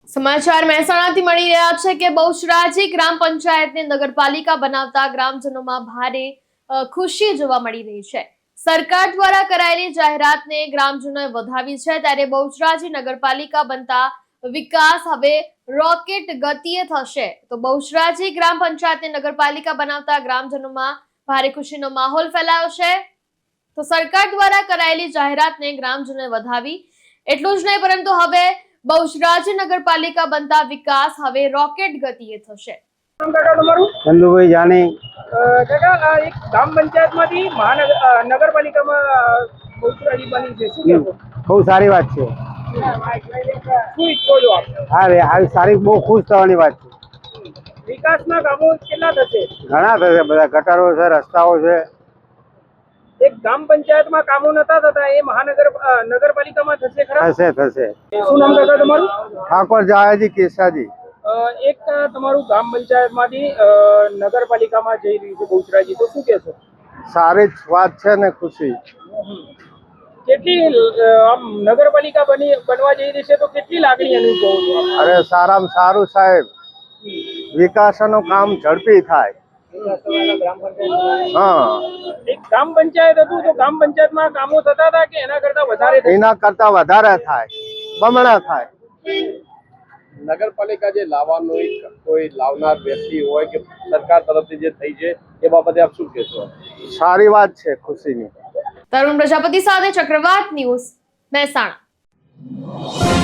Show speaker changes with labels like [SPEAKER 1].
[SPEAKER 1] સમાચાર મહેસાણાથી મળી રહ્યા છે કે બહુચરાજી ગ્રામ પંચાયતને નગરપાલિકા બનાવતા ગ્રામજનોમાં ભારે ખુશી જોવા મળી રહી છે। સરકાર દ્વારા કરાયેલી જાહેરાતને ગ્રામજનોએ વધાવી છે, ત્યારે બહુચરાજી નગરપાલિકા બનતા વિકાસ હવે રોકેટ ગતિએ થશે। તો બહુચરાજી ગ્રામ પંચાયતને નગરપાલિકા બનાવતા ગ્રામજનોમાં ભારે ખુશીનો માહોલ ફેલાયો છે। તો સરકાર દ્વારા કરાયેલી જાહેરાતને ગ્રામજનોએ વધાવી, એટલું જ નહીં પરંતુ હવે બહુચરાજી નગરપાલિકા બનતા વિકાસ હવે રોકેટ ગતિએ થશે।
[SPEAKER 2] ચંદુભાઈ જાની
[SPEAKER 3] કાકા, એક ગ્રામ પંચાયતમાંથી નગરપાલિકામાં બહુચરાજી બની છે, શું કહેશો?
[SPEAKER 2] બહુ સારી વાત છે।
[SPEAKER 3] શું ઈચ્છો છો આપ?
[SPEAKER 2] આવી સારી બહુ ખુશ થવાની વાત છે।
[SPEAKER 3] વિકાસના કામો કેટલા થશે?
[SPEAKER 2] ઘણા થશે, બધા ગટરો છે, રસ્તાઓ છે।
[SPEAKER 3] એક ગ્રામ પંચાયતમાં કામો નતા થતા, એ નગરપાલિકામાં થશે ખરા?
[SPEAKER 2] થશે।
[SPEAKER 3] શું નામ કાકા તમારું?
[SPEAKER 2] ઠાકોર જાયાજી કેસાજી।
[SPEAKER 3] એક તમારું ગ્રામ પંચાયતમાંથી નગરપાલિકામાં જઈ રહ્યું છે બહુચરાજી, તો શું કહેશો?
[SPEAKER 2] સારી જ વાત છે ને ખુશી।
[SPEAKER 3] કેટલી આમ નગરપાલિકા બનવા જઈ રહી છે તો કેટલી લાગણી અનુભવો છો?
[SPEAKER 2] અરે સારામાં સારું સાહેબ, વિકાસનું કામ ઝડપી થાય। હા,
[SPEAKER 3] એક ગ્રામ પંચાયત હતું તો ગ્રામ પંચાયતમાં કામો થતા હતા કે એના કરતા વધારે?
[SPEAKER 2] એના કરતા વધારે થાય, બમણા થાય।
[SPEAKER 4] નગરપાલિકા જે લાવવાનો કોઈ લાવનાર વ્યક્તિ હોય કે સરકાર તરફથી જે થઈ છે એ બાબતે આપ શું કહેશો?
[SPEAKER 2] સારી વાત છે, ખુશીની।
[SPEAKER 1] તરુણ પ્રજાપતિ સાથે ચક્રવાત ન્યૂઝ, મહેસાણા।